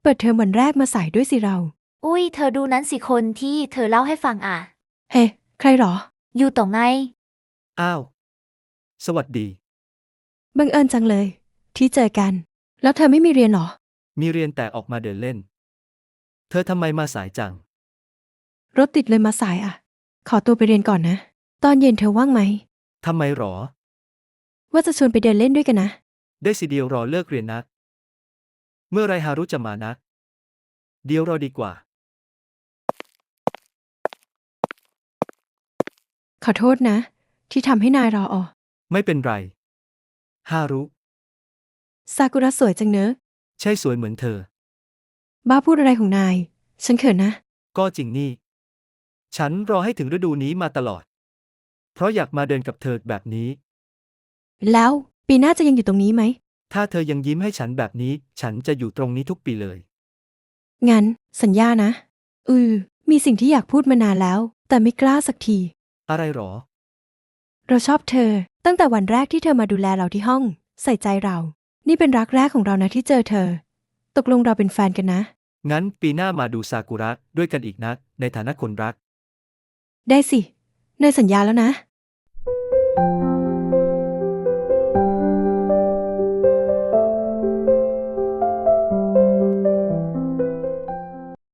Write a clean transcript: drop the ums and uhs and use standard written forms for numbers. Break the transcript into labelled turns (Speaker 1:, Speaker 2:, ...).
Speaker 1: เปิดเทอมวันแรกมาสายด้วยสิเรา
Speaker 2: อุ้ยเธอดูนั้นสิคนที่เธอเล่าให้ฟังอ่ะ
Speaker 1: เฮ้ ใครหรอ
Speaker 2: อยู่ตรงไง
Speaker 3: อ้าว สวัสดี
Speaker 1: บังเอิญจังเลย ที่เจอกัน แล้วเธอไม่มีเรียนหรอ
Speaker 3: มีเรียนแต่ออกมาเดินเล่น เธอทำไมมาสายจัง
Speaker 1: รถติดเลยมาสายอ่ะ ขอตัวไปเรียนก่อนนะ ตอนเย็นเธอว่างไหม
Speaker 3: ทำไมหรอ
Speaker 1: ว่าจะชวนไปเดินเล่นด้วยกันนะ
Speaker 3: ได้สิเดียวรอเลิกเรียนนะ เมื่อไรฮารุจะมานะ เดี๋ยวรอดีกว่า
Speaker 1: ขอโทษนะ ที่ทำให้นายรออ
Speaker 3: ไม่เป็นไร ฮารุ
Speaker 1: ซากุระสวยจังเนอะ
Speaker 3: ใช่สวยเหมือนเธอ
Speaker 1: บ้าพูดอะไรของนาย ฉันเขินนะ
Speaker 3: ก็จริงนี่ ฉันรอให้ถึงฤดูนี้มาตลอด เพราะอยากมาเดินกับเธอแบบนี้
Speaker 1: แล้วปีหน้าจะยังอยู่ตรงนี้ไหม
Speaker 3: ถ้าเธอยังยิ้มให้ฉันแบบนี้ ฉันจะอยู่ตรงนี้ทุกปีเลย
Speaker 1: งั้น สัญญานะ มีสิ่งที่อยากพูดมานานแล้ว แต่ไม่กล้าสักที
Speaker 3: อะไรหรอ
Speaker 1: เราชอบเธอ ตั้งแต่วันแรกที่เธอมาดูแลเราที่ห้อง ใส่ใจเรา นี่เป็นรักแรกของเรานะที่เจอเธอ ตกลงเราเป็นแฟนกันนะ
Speaker 3: งั้นปีหน้ามาดูซากุระด้วยกันอีกนะ ในฐานะคนรัก
Speaker 1: ได้สินายสัญญาแล้วนะ